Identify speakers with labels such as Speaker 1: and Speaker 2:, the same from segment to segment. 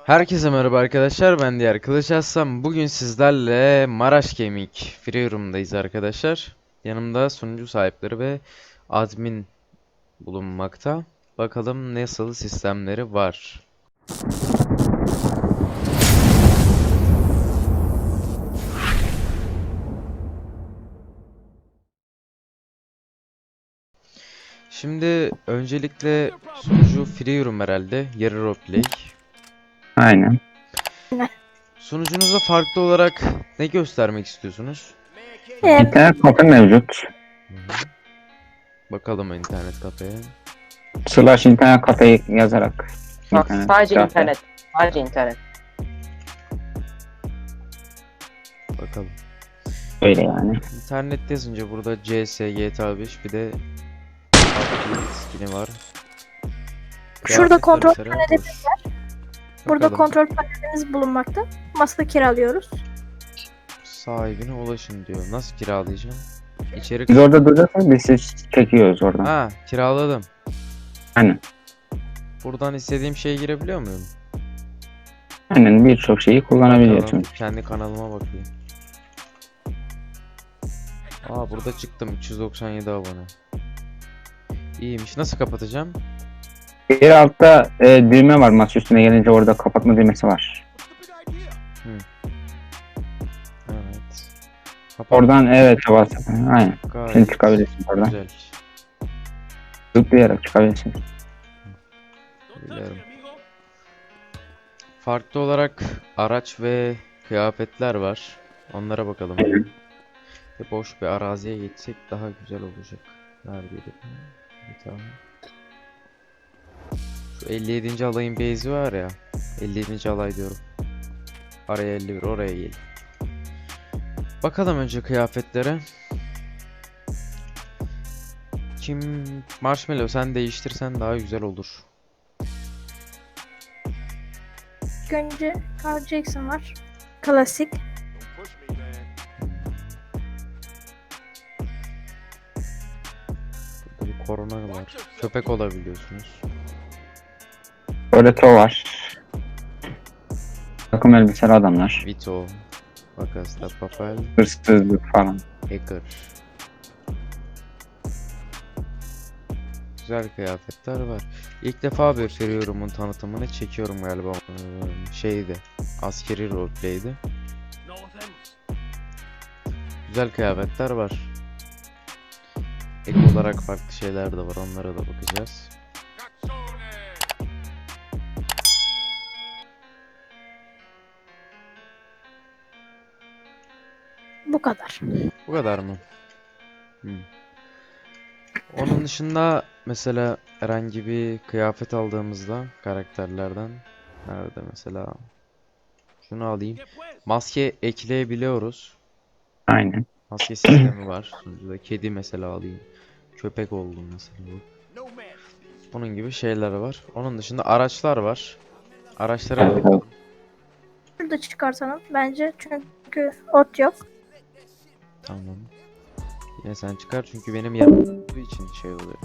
Speaker 1: Herkese merhaba arkadaşlar, ben Diğer Kılıç Aslan. Bugün sizlerle Maraş Gaming Free Room'dayız arkadaşlar. Yanımda sunucu sahipleri ve admin bulunmakta. Bakalım nasıl sistemleri var. Şimdi öncelikle sunucu Free Room herhalde, yarı roleplay.
Speaker 2: Aynen.
Speaker 1: Sunucunuza farklı olarak ne göstermek istiyorsunuz?
Speaker 2: İnternet kafe mevcut.
Speaker 1: Hı hı. Bakalım internet kafeye.
Speaker 2: Slash internet kafe yazarak.
Speaker 3: Bak
Speaker 2: İnternet
Speaker 3: sadece
Speaker 2: kafe.
Speaker 3: internet. Sadece internet.
Speaker 1: Bakalım.
Speaker 2: Öyle yani.
Speaker 1: İnternet yazınca burada CS, GTA 5 bir de PUBG skini var.
Speaker 4: Şurada
Speaker 1: Kıyafetler
Speaker 4: kontrol
Speaker 1: mesela
Speaker 4: panelimiz
Speaker 1: boş.
Speaker 4: var. Burada
Speaker 1: Bakalım.
Speaker 4: kontrol panelimiz bulunmakta. Masa kiralıyoruz.
Speaker 1: Sahibine ulaşın diyor. Nasıl kiralayacağım? İçerik.
Speaker 2: Biz orada durursak biz siz çekiyoruz oradan.
Speaker 1: Ha, kiraladım.
Speaker 2: Aynen.
Speaker 1: Buradan istediğim şeye girebiliyor muyum?
Speaker 2: Aynen birçok şeyi kullanabiliyorsun.
Speaker 1: Bakalım, kendi kanalıma bakayım. Aa, burada çıktım, 397 abone. İyiymiş. Nasıl kapatacağım?
Speaker 2: Bir altta düğme var, masa üstüne gelince orada kapatma düğmesi var.
Speaker 1: Evet. Kapat.
Speaker 2: Oradan evet bas. Aynen.
Speaker 1: Gayet
Speaker 2: Şimdi çıkabilirsin oradan.
Speaker 1: güzel.
Speaker 2: Zıplayarak çıkabilirsin.
Speaker 1: Biliyorum. Farklı olarak araç ve kıyafetler var. Onlara bakalım. Boş bir araziye geçsek daha güzel olacak. Neredeydi? Bir tane. Şu 57. alayın base'i var ya. 57. alay diyorum. Araya 51, oraya gelin. Bakalım önce kıyafetlere. Kim? Marshmallow, sen değiştirsen daha güzel olur.
Speaker 4: İlk önce Carl Jackson var. Klasik.
Speaker 1: Burada bir korona var. Köpek olabiliyorsunuz.
Speaker 2: Orada var. Takım elbiseli adamlar.
Speaker 1: Vito. Bakasta Papel.
Speaker 2: Hırsızlık falan.
Speaker 1: Hacker. Güzel kıyafetler var. İlk defa bir Free Room'un tanıtımını çekiyorum galiba. Şeydi. Askeri roleplay'di. Güzel kıyafetler var. Ek olarak farklı şeyler de var. Onlara da bakacağız.
Speaker 4: Bu kadar.
Speaker 1: Bu kadar mı? Onun dışında mesela herhangi bir kıyafet aldığımızda karakterlerden nerede mesela? Şunu alayım. Maske ekleyebiliyoruz.
Speaker 2: Aynen.
Speaker 1: Maske sistemi var. Sunucuda kedi mesela alayım. Köpek oldum mesela bu. Bunun gibi şeyler var. Onun dışında araçlar var. Araçlara da bakalım.
Speaker 4: Şurada çıkartalım bence çünkü ot yok.
Speaker 1: Tamam. Yine sen çıkar çünkü benim yanımda olduğu için şey oluyor.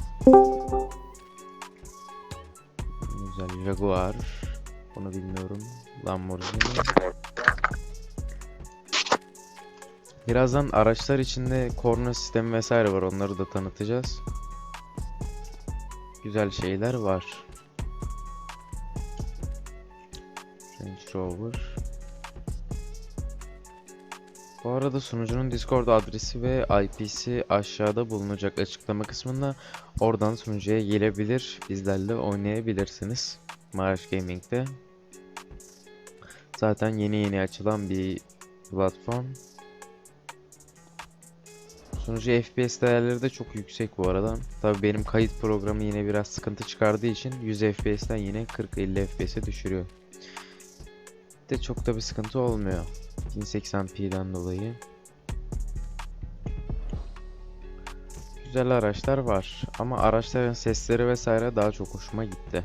Speaker 1: Güzel Jaguar. Bunu bilmiyorum. Lamborghini. Birazdan araçlar içinde korna sistemi vesaire var. Onları da tanıtacağız. Güzel şeyler var. Range Rover. Bu arada sunucunun Discord adresi ve IP'si aşağıda bulunacak açıklama kısmında. Oradan sunucuya gelebilir, bizlerle oynayabilirsiniz. Maraş Gaming'de. Zaten yeni açılan bir platform. Sunucu FPS değerleri de çok yüksek bu arada. Tabii benim kayıt programı yine biraz sıkıntı çıkardığı için 100 FPS'ten yine 40-50 FPS'e düşürüyor. De çok da bir sıkıntı olmuyor. 1080p'den dolayı. Güzel araçlar var ama araçların sesleri vesaire daha çok hoşuma gitti.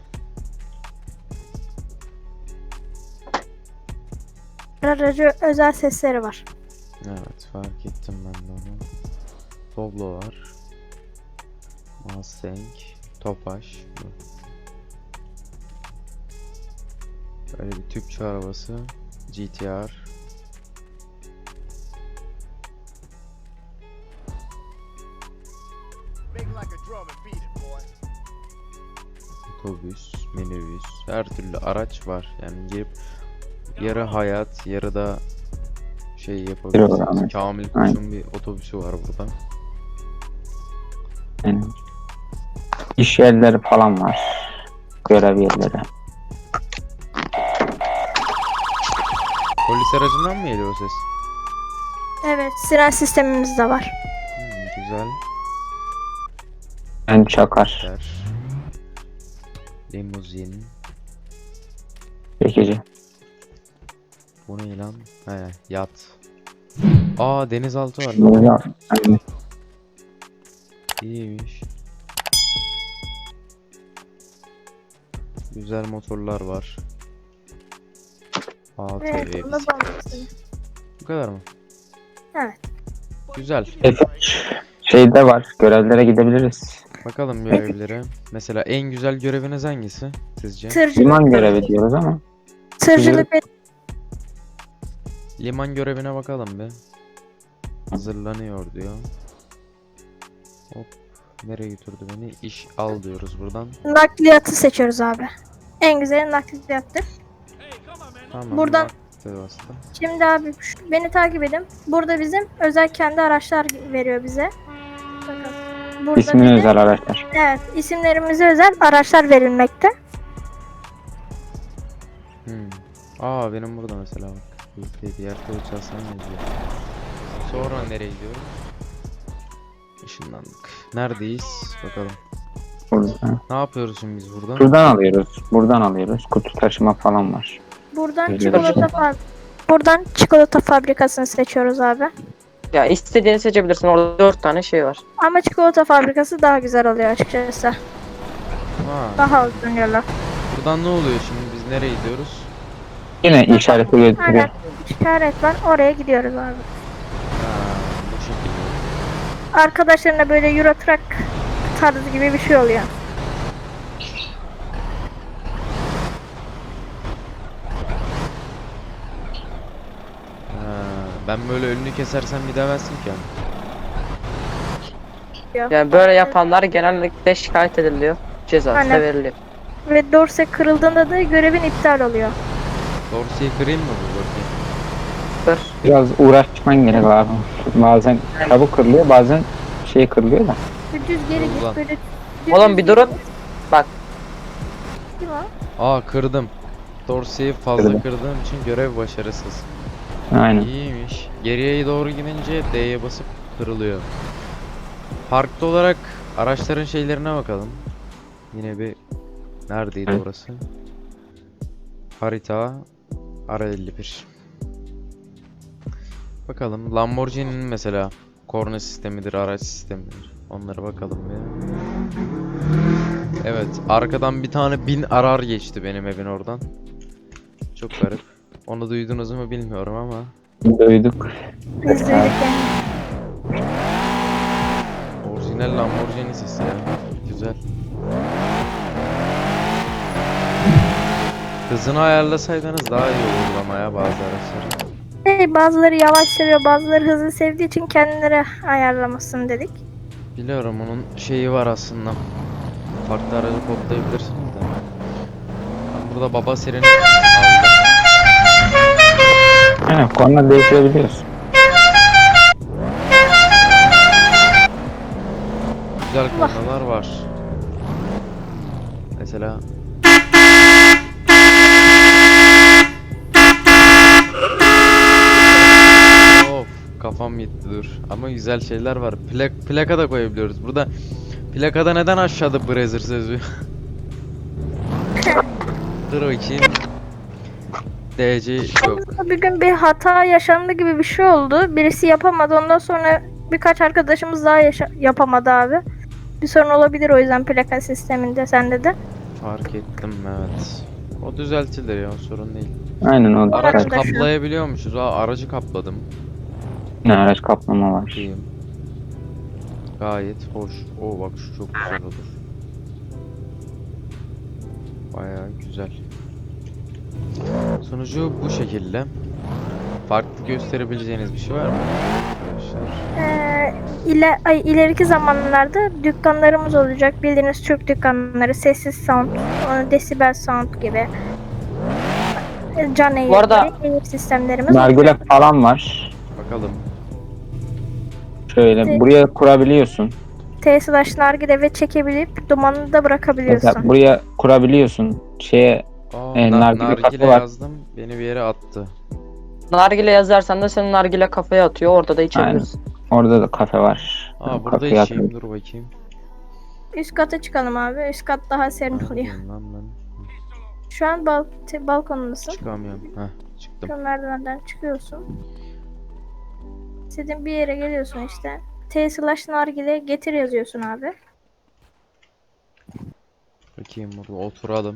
Speaker 4: Aracı özel sesleri var.
Speaker 1: Evet, fark ettim ben de onu. Doblo var. Mustang, Tofaş. Böyle bir tüpçü arabası. GTR. Otobüs, minibüs, her türlü araç var. Yani girip yarı hayat, yarı da şey yapabilirsiniz.
Speaker 2: Aynen.
Speaker 1: Kamil
Speaker 2: Aynen.
Speaker 1: Koç'un bir otobüsü var burada.
Speaker 2: Yani iş yerleri falan var. Görev yerleri.
Speaker 1: Polis aracından mı geliyor o ses?
Speaker 4: Evet, siren sistemimiz de var.
Speaker 1: Güzel.
Speaker 2: Ben çakar.
Speaker 1: Der. Limuzin.
Speaker 2: Çekici.
Speaker 1: Bu ne lan? He, yat. Aa, denizaltı var.
Speaker 2: Böyle yap. Aynen.
Speaker 1: İyiymiş. Güzel motorlar var. ATV
Speaker 4: Evet, onu da
Speaker 1: bisiklet.
Speaker 4: bağlamışsın.
Speaker 1: Bu kadar mı?
Speaker 4: Evet.
Speaker 1: Güzel.
Speaker 2: Şeyde var. Görevlere gidebiliriz.
Speaker 1: Bakalım görevlere. Mesela en güzel göreviniz hangisi sizce?
Speaker 2: Liman görevi diyoruz ama.
Speaker 4: Tırcılık ve
Speaker 1: Liman görevine bakalım be. Hazırlanıyor diyor. Hop. Nereye götürdü beni? İş al diyoruz buradan.
Speaker 4: nakliyatı seçiyoruz abi. En güzeli nakliyattır.
Speaker 1: Tamam.
Speaker 4: Buradan-
Speaker 1: vakti bastım.
Speaker 4: Şimdi abi beni takip edin. Burada bizim özel kendi araçlar veriyor bize. Bakın. Burada
Speaker 2: İsmini
Speaker 4: bize,
Speaker 2: özel araçlar.
Speaker 4: evet, isimlerimize özel araçlar verilmekte.
Speaker 1: Aa, benim burada mesela bak. UK diğer kılıç alsana yazıyor. Sonra nereye gidiyoruz? Işınlandık. Neredeyiz? Bakalım.
Speaker 2: Burada.
Speaker 1: Ne yapıyoruz şimdi biz burada?
Speaker 2: Buradan alıyoruz. Buradan alıyoruz. Kutu taşıma falan var.
Speaker 4: Buradan
Speaker 2: Öyle
Speaker 4: çikolata
Speaker 2: şey.
Speaker 4: Buradan çikolata fabrikasını seçiyoruz abi.
Speaker 3: Ya istediğini seçebilirsin. Orada 4 tane şey var.
Speaker 4: Ama çikolata fabrikası daha güzel oluyor açıkçası.
Speaker 1: Ha,
Speaker 4: Daha uzun yola.
Speaker 1: buradan ne oluyor şimdi? Biz nereye gidiyoruz?
Speaker 2: Yine işareti gösteriyor.
Speaker 4: Aynen. İşaret var. Oraya gidiyoruz abi.
Speaker 1: Ha, bu şekilde.
Speaker 4: Arkadaşlarına böyle Euro Truck tarzı gibi bir şey oluyor.
Speaker 1: Ha, ben böyle önünü kesersem gidemezsin ki.
Speaker 3: Yani böyle yapanlar genellikle şikayet ediliyor. Cezası da
Speaker 4: Aynen.
Speaker 3: veriliyor.
Speaker 4: Ve dorse kırıldığında da görevin iptal oluyor.
Speaker 1: Dorsi'yi kırayım mı bu bakayım?
Speaker 3: Dur.
Speaker 2: Biraz uğraşman gerek abi. Bazen çabuk kırılıyor, bazen şey kırılıyor da.
Speaker 4: Düz geri
Speaker 1: Ulan.
Speaker 4: git böyle.
Speaker 3: Oğlum bir durun. Bak.
Speaker 4: Kim o?
Speaker 1: Aa, kırdım. Dorsi'yi fazla
Speaker 2: Kırdım.
Speaker 1: kırdığım için görev başarısız.
Speaker 2: Aynen.
Speaker 1: İyiymiş. Geriye doğru gidince D'ye basıp kırılıyor. Farklı olarak araçların şeylerine bakalım. Yine bir neredeydi
Speaker 2: Evet.
Speaker 1: orası? Harita R51. Bakalım Lamborghini'nin mesela korna sistemidir, araç sistemidir. Onlara bakalım bir. Evet, arkadan bir tane 1000 arar geçti benim evin oradan. Çok garip. Onu duydunuz mu bilmiyorum ama.
Speaker 2: Duyduk.
Speaker 4: Biz duyduk yani.
Speaker 1: Orijinal Lamborghini sesi ya. Güzel. Hızını ayarlasaydınız daha iyi olurdu ama ya bazı araçların.
Speaker 4: Bazıları yavaş seviyor, bazıları hızlı sevdiği için kendileri ayarlamasını dedik.
Speaker 1: Biliyorum, onun şeyi var aslında. Farklı aracı kodlayabilirsiniz de. Ben burada baba sireni aldım.
Speaker 2: Aynen, korna değiştirebiliyorsun.
Speaker 1: Güzel konular var. Mesela of, kafam gitti, dur. Ama güzel şeyler var. Plaka da koyabiliyoruz. Burada plakada neden aşağıda Brazzer sözü? Dur bakayım. DC yok.
Speaker 4: Bir gün bir hata yaşandı gibi bir şey oldu. Birisi yapamadı. Ondan sonra birkaç arkadaşımız daha yapamadı abi. Bir sorun olabilir o yüzden plaka sisteminde sende de.
Speaker 1: Fark ettim, evet. O düzeltilir ya, sorun değil.
Speaker 2: Aynen o.
Speaker 1: Araç
Speaker 4: Arkadaşlar.
Speaker 1: kaplayabiliyormuşuz. Aa, aracı kapladım.
Speaker 2: Ne araç kaplama var.
Speaker 1: Diyeyim. Gayet hoş. Oo, bak şu çok güzel olur. Bayağı güzel. Sunucu bu şekilde. Farklı gösterebileceğiniz bir şey var mı arkadaşlar?
Speaker 4: İleriki zamanlarda dükkanlarımız olacak. Bildiğiniz Türk dükkanları, sessiz sound, desibel sound gibi. Can
Speaker 3: Bu arada-
Speaker 4: eğitim sistemlerimiz
Speaker 2: Nargile
Speaker 4: olacak.
Speaker 2: falan var.
Speaker 1: Bakalım.
Speaker 2: Şöyle buraya kurabiliyorsun.
Speaker 4: T/slash nargile ve çekebilip dumanını da
Speaker 2: Mesela
Speaker 4: bırakabiliyorsun.
Speaker 2: buraya kurabiliyorsun. Şeye
Speaker 1: Aa,
Speaker 2: nargile
Speaker 1: nargile
Speaker 2: kafe var.
Speaker 1: yazdım. Beni bir yere attı.
Speaker 3: Nargile yazarsan da senin nargile kafaya atıyor. Orada da içebilirsin.
Speaker 2: Orada da kafe var.
Speaker 1: Aa, burada
Speaker 2: Kafeye
Speaker 1: içeyim.
Speaker 2: atıyor.
Speaker 1: Dur bakayım.
Speaker 4: Üst kata çıkalım abi. Üst kat daha serin oluyor.
Speaker 1: Neredeyim lan ben?
Speaker 4: Şu an balkonundasın.
Speaker 1: Çıkamıyorum. Heh, çıktım.
Speaker 4: Şu merdivenden çıkıyorsun. İstediğin bir yere geliyorsun işte. T/slash nargile getir yazıyorsun abi.
Speaker 1: Bakayım burada oturalım.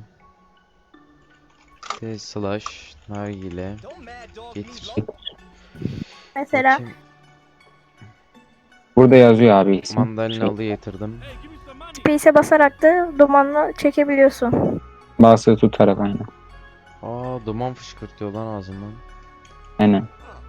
Speaker 1: T slash nargile getir.
Speaker 4: Mesela
Speaker 1: Bakayım.
Speaker 2: Burada yazıyor abi ismi.
Speaker 1: Mandalinalı getirdim.
Speaker 4: space'e basarak da dumanını çekebiliyorsun.
Speaker 2: Basılı tutarak aynen.
Speaker 1: Aa, duman fışkırtıyor lan ağzımdan.
Speaker 2: Aynen.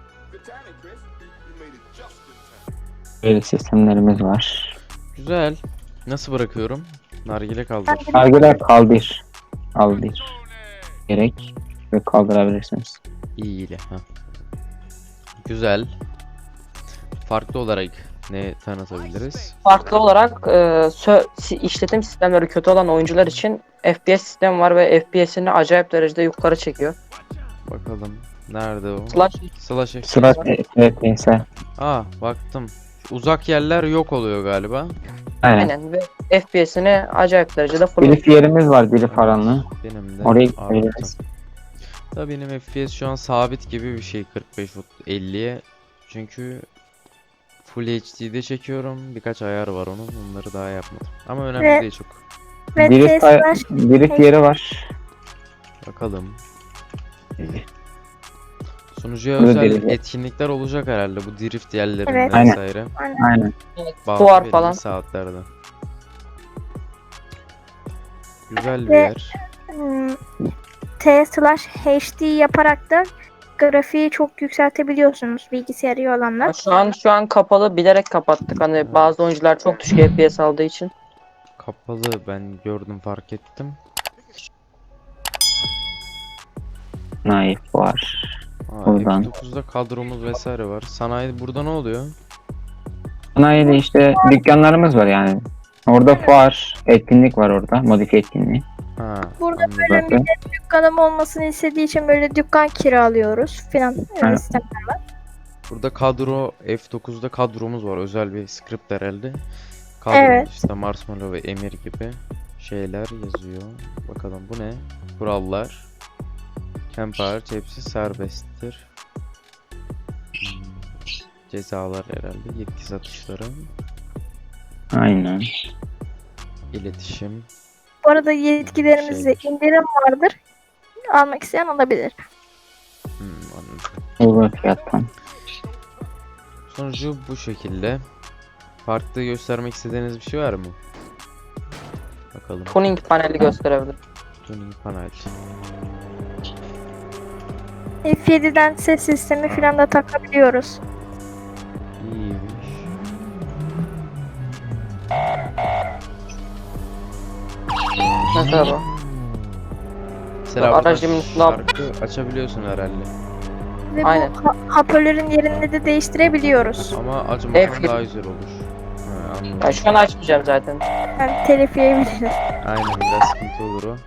Speaker 2: Böyle sistemlerimiz var.
Speaker 1: Güzel. Nasıl bırakıyorum? Nargile kaldır.
Speaker 2: Nargile kaldır. Kaldır. Gerek ve kaldırabilirsiniz.
Speaker 1: İyi. Ha. Güzel. Farklı olarak ne tanıtabiliriz?
Speaker 3: Farklı olarak işletim sistemleri kötü olan oyuncular için FPS sistemi var ve FPS'ini acayip derecede yukarı çekiyor.
Speaker 1: Bakalım. Nerede o?
Speaker 3: Slash
Speaker 1: Slash FPS.
Speaker 2: Sıra FPS.
Speaker 1: Aa, baktım. Uzak yerler yok oluyor galiba.
Speaker 2: Aynen.
Speaker 3: aynen ve FPS'ini acayip derecede full.
Speaker 2: Birif yerimiz var. Birif aranlı.
Speaker 1: Benim de
Speaker 2: Oraya
Speaker 1: arttım.
Speaker 2: gidebiliriz.
Speaker 1: Tabii benim FPS şu an sabit gibi bir şey 45 50'ye. Çünkü Full HD'de çekiyorum. Birkaç ayar var onun. Onları daha yapmadım. Ama önemli
Speaker 4: Ve-
Speaker 1: değil çok.
Speaker 4: Ve
Speaker 2: Birif,
Speaker 4: T/slash
Speaker 2: birif yeri var.
Speaker 1: Bakalım. Sunucuya
Speaker 2: Burada
Speaker 1: özel
Speaker 2: değil.
Speaker 1: etkinlikler olacak herhalde bu drift yerlerinde
Speaker 4: Evet.
Speaker 2: Aynen.
Speaker 1: vesaire.
Speaker 2: Aynen.
Speaker 1: Bazı
Speaker 3: Fuar
Speaker 1: belirli
Speaker 3: falan.
Speaker 1: saatlerde. Güzel bir
Speaker 4: Ve-
Speaker 1: yer.
Speaker 4: T/slash HD yaparak da grafiği çok yükseltebiliyorsunuz bilgisayarı iyi olanlar.
Speaker 3: Şu an kapalı, bilerek kapattık. Hani bazı oyuncular çok düşük FPS aldığı için.
Speaker 1: Kapalı, ben gördüm, fark ettim.
Speaker 2: Naif var.
Speaker 1: Aa,
Speaker 2: Buradan.
Speaker 1: F9'da kadromuz vesaire var. Sanayi burada ne oluyor?
Speaker 2: Sanayide işte dükkanlarımız var yani. Orada fuar, etkinlik var orada. Modifiye etkinliği.
Speaker 1: Ha,
Speaker 4: Burada
Speaker 1: anladım.
Speaker 4: böyle
Speaker 2: Zaten.
Speaker 4: dükkanım olmasını istediği için böyle dükkan kiralıyoruz filan. Öyle
Speaker 2: Evet.
Speaker 4: sistem.
Speaker 1: Burada kadro, F9'da kadromuz var. Özel bir script herhalde. Kadro
Speaker 4: Evet.
Speaker 1: işte Marshmallow ve Emir gibi şeyler yazıyor. Bakalım bu ne? Kurallar. Camp hariç hepsi serbesttir. Cezalar herhalde. Yetki satışları.
Speaker 2: Aynen.
Speaker 1: İletişim.
Speaker 4: Bu arada yetkilerimizde
Speaker 1: Şeymiş.
Speaker 4: indirim vardır. Almak isteyen alabilir.
Speaker 1: Anladım.
Speaker 2: Uygun fiyattan.
Speaker 1: Sonucu bu şekilde. Farklı göstermek istediğiniz bir şey var mı? Bakalım.
Speaker 3: Tuning paneli gösterebilir.
Speaker 1: Tuning panel.
Speaker 4: F7'den ses sistemi filan da takabiliyoruz.
Speaker 1: İyiymiş.
Speaker 3: Mesela bu.
Speaker 1: Mesela
Speaker 3: Aracın
Speaker 1: buradan
Speaker 3: üstüne al-
Speaker 1: şarkı açabiliyorsun herhalde.
Speaker 4: Ve
Speaker 3: Aynen.
Speaker 4: bu hoparlörün yerini de değiştirebiliyoruz.
Speaker 1: Ama acımasan
Speaker 3: F7.
Speaker 1: daha güzel olur. Ha, anladım.
Speaker 3: Ben şu an açmayacağım zaten.
Speaker 4: Yani telif yiyebiliriz.
Speaker 1: Aynen, biraz sıkıntı olur o.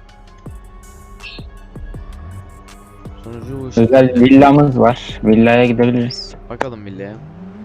Speaker 1: Sonucu bu
Speaker 2: Özel
Speaker 1: şekilde.
Speaker 2: villamız var. Villaya gidebiliriz.
Speaker 1: Bakalım villaya.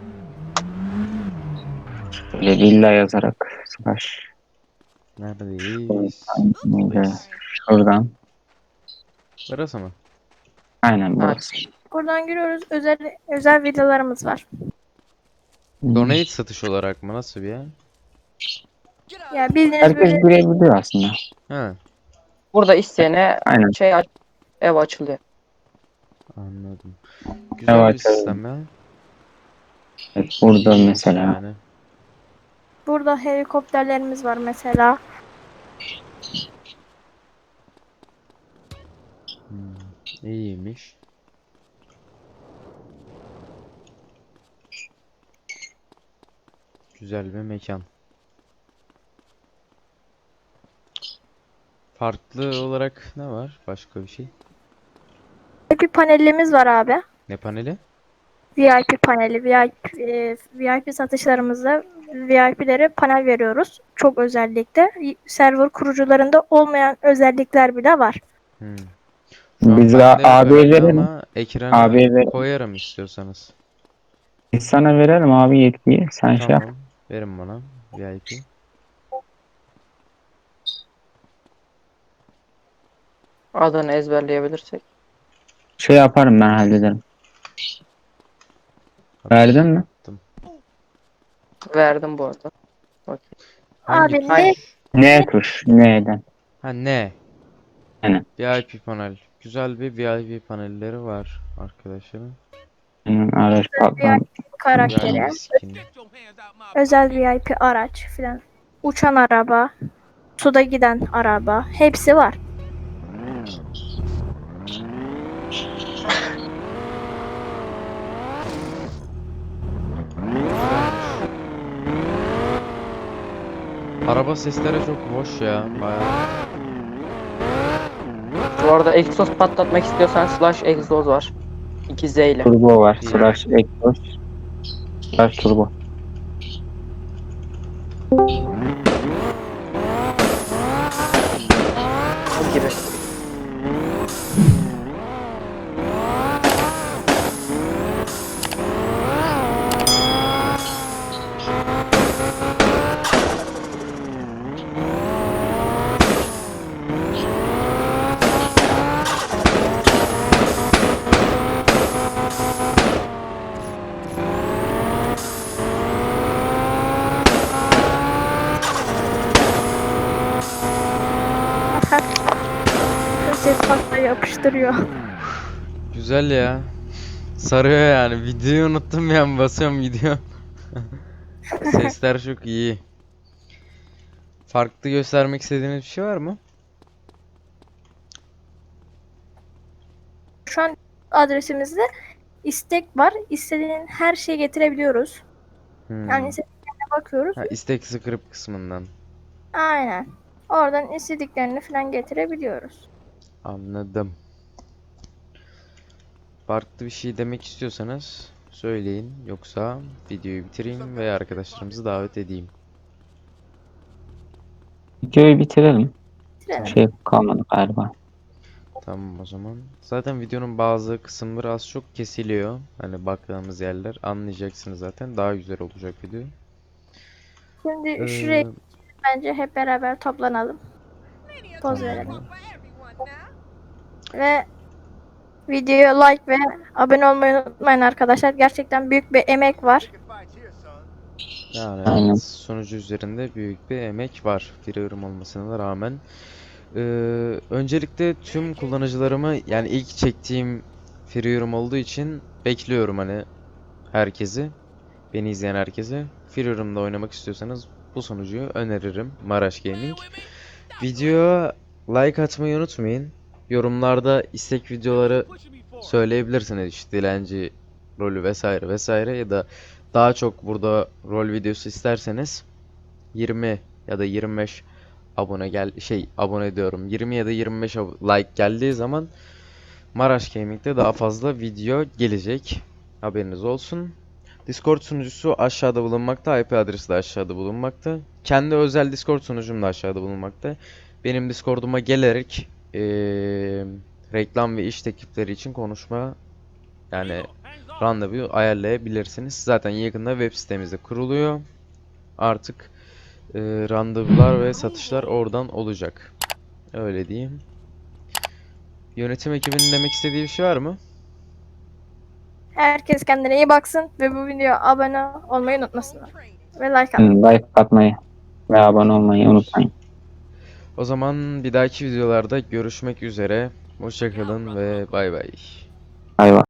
Speaker 2: Böyle villa yazarak slash.
Speaker 1: Neredeyiz?
Speaker 2: Böyle şuradan.
Speaker 1: Burası mı?
Speaker 2: Aynen burası.
Speaker 4: Buradan giriyoruz. Özel villalarımız var.
Speaker 1: Donate satış olarak mı? Nasıl bir yer?
Speaker 4: Ya bildiğiniz
Speaker 2: Herkes
Speaker 4: böyle
Speaker 2: girebiliyor aslında.
Speaker 1: Ha,
Speaker 3: Burada isteyene
Speaker 2: Aynen.
Speaker 3: ev açılıyor.
Speaker 1: anladım. Güzel
Speaker 2: Evet,
Speaker 1: bir sistem ya.
Speaker 2: Evet, burada
Speaker 1: İyiymiş
Speaker 2: mesela.
Speaker 1: yani.
Speaker 4: burada helikopterlerimiz var mesela.
Speaker 1: İyiymiş. Güzel bir mekan. Farklı olarak ne var? Başka bir şey.
Speaker 4: Bir panelimiz var abi.
Speaker 1: Ne paneli?
Speaker 4: VIP paneli, VIP satışlarımızda VIP'lere panel veriyoruz. Çok özellikle. Server kurucularında olmayan özellikler bile var.
Speaker 1: Hmm. Şu an
Speaker 2: Biz
Speaker 1: bende yok
Speaker 2: abiye
Speaker 1: herhalde
Speaker 2: verelim.
Speaker 1: ama ekrana
Speaker 2: Abiye verelim.
Speaker 1: koyarım istiyorsanız.
Speaker 2: Biz sana verelim abi yetkiyi. Sen şey yap.
Speaker 1: Tamam. Verin bana VIP.
Speaker 3: Adını ezberleyebilirsek.
Speaker 2: Şey yaparım ben hallederim. Verdin mi?
Speaker 3: Verdim bu arada. Okey.
Speaker 1: Hangi
Speaker 4: Abi
Speaker 1: tuş?
Speaker 4: ne?
Speaker 2: Ne tuş? Neden?
Speaker 1: Ha ne?
Speaker 2: Aynen.
Speaker 1: VIP panel. Güzel bir VIP panelleri var arkadaşlarım.
Speaker 2: Araç patladı.
Speaker 4: VIP karakteri,
Speaker 1: VIP skin.
Speaker 4: özel VIP araç filan. Uçan araba, suda giden araba, hepsi var.
Speaker 1: Araba sesleri çok hoş ya. Bayağı.
Speaker 3: Bu arada egzoz patlatmak istiyorsan slash egzoz var. 2Z ile.
Speaker 2: Turbo var.
Speaker 1: İyi.
Speaker 2: Slash egzoz. Slash turbo.
Speaker 3: Gibi.
Speaker 4: Ses pasta yapıştırıyor.
Speaker 1: Güzel ya. Sarıyor yani. Videoyu unuttum ya. Basıyorum gidiyor. Sesler çok iyi. Farklı göstermek istediğiniz bir şey var mı?
Speaker 4: Şu an adresimizde istek var. İstediğin her şeyi getirebiliyoruz.
Speaker 1: Hmm.
Speaker 4: Yani istediklerine bakıyoruz.
Speaker 1: Ha, istek script kısmından.
Speaker 4: Aynen. Oradan istediklerini falan getirebiliyoruz.
Speaker 1: Anladım. Farklı bir şey demek istiyorsanız söyleyin. Yoksa videoyu bitireyim ve arkadaşlarımızı davet edeyim.
Speaker 2: Videoyu bitirelim.
Speaker 4: Bitirelim.
Speaker 2: Şey kalmadı galiba.
Speaker 1: Tamam o zaman. Zaten videonun bazı kısımları az çok kesiliyor. Hani baktığımız yerler anlayacaksınız zaten. Daha güzel olacak video.
Speaker 4: Şimdi şuraya
Speaker 1: Ee,
Speaker 4: bence hep beraber toplanalım. Poz verelim. Ve videoya like ve abone olmayı unutmayın arkadaşlar. Gerçekten büyük bir emek var.
Speaker 1: Yani
Speaker 2: Aynen.
Speaker 1: evet, sunucu üzerinde büyük bir emek var. Free yorum olmasına rağmen. Öncelikle tüm kullanıcılarımı yani ilk çektiğim free yorum olduğu için bekliyorum hani herkesi. Beni izleyen herkese. Free yorumda oynamak istiyorsanız bu sunucuyu öneririm. Maraş Gaming. Videoya like atmayı unutmayın. Yorumlarda istek videoları söyleyebilirsiniz. İşte dilenci rolü vesaire vesaire ya da daha çok burada rol videosu isterseniz 20 ya da 25 abone diyorum. 20 ya da 25 like geldiği zaman Maraş Gaming'de daha fazla video gelecek. Haberiniz olsun. Discord sunucusu aşağıda bulunmakta. IP adresi de aşağıda bulunmakta. Kendi özel Discord sunucum da aşağıda bulunmakta. Benim Discord'uma gelerek reklam ve iş teklifleri için konuşma yani randevu ayarlayabilirsiniz. Zaten yakında web sitemizde kuruluyor. Artık randevular ve satışlar oradan olacak. Öyle diyeyim. Yönetim ekibinin demek istediği bir şey var mı?
Speaker 4: Herkes kendine iyi baksın ve bu videoya abone olmayı unutmasınlar. Ve like atmayı.
Speaker 2: Like atmayı ve abone olmayı unutmayın.
Speaker 1: O zaman bir dahaki videolarda görüşmek üzere. Hoşça kalın ve bay bay.
Speaker 2: Bay bay.